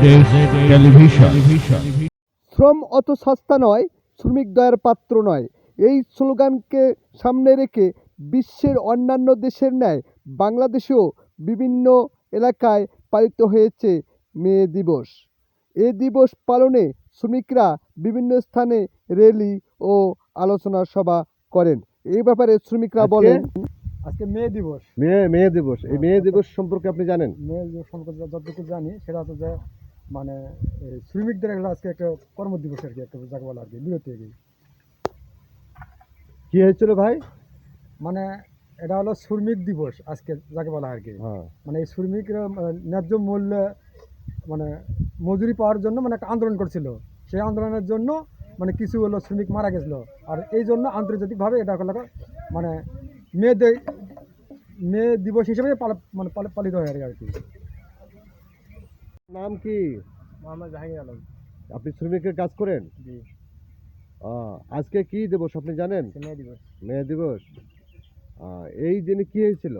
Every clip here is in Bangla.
শ্রম অত সস্তা নয়, শ্রমিক দয়ার পাত্র নয়, এই স্লোগানকে সামনে রেখে বিশ্বের অন্যান্য দেশের ন্যায় বাংলাদেশেও বিভিন্ন এলাকায় পালিত হয়েছে মে দিবস। এ দিবস পালনে শ্রমিকরা বিভিন্ন স্থানে র্যালি ও আলোচনা সভা করেন। এই ব্যাপারে শ্রমিকরা বলেন, আজকে মে দিবস। মে দিবস, এই মে দিবস সম্পর্কে আপনি জানেন? মে দিবস সম্পর্কে যতটুকু জানি সেটা হচ্ছে যে মানে শ্রমিকদের আজকে একটা কর্মদিবস আর কি, একটা যাকে বলা আর কি, বিরতি আর কি। কি হয়েছিল ভাই? মানে এটা হলো শ্রমিক দিবস আজকে যাকে বলা আর কি। মানে এই শ্রমিকরা ন্যায্য মূল্যে মানে মজুরি পাওয়ার জন্য মানে একটা আন্দোলন করছিল। সেই আন্দোলনের জন্য মানে কিছু হলো শ্রমিক মারা গেছিলো, আর এই জন্য আন্তর্জাতিকভাবে এটা হলো মানে মে দিবস হিসেবে পালিত হয় আর কি। নাম কি? মোহাম্মদ জাহাঙ্গীর আলম। আপনি শ্রমিকের কাজ করেন? জি। আজকে কি দিবস আপনি জানেন? মে দিবস। মে দিবস। এই দিনে কি হয়েছিল?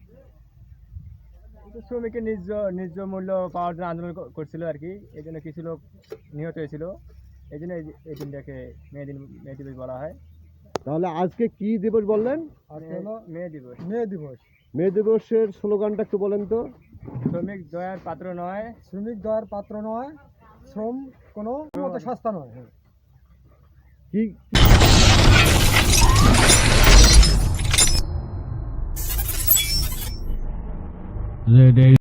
শ্রমিকের ন্যায্য মূল্য পাওয়ার জন্য আন্দোলন করছিল আর কি। এই জন্য কিছু লোক নিহত হয়েছিল, এই জন্য এই দিনটাকে মে দিবস বলা হয়। তাহলে আজকে কি দিবস বললেন? মে দিবস। মে দিবসের স্লোগানটা একটু বলেন তো। শ্রমিক দয়ার পাত্র নয়, শ্রমিক দয়ার পাত্র নয়, শ্রম কোনো মতে সস্তা নয়। কি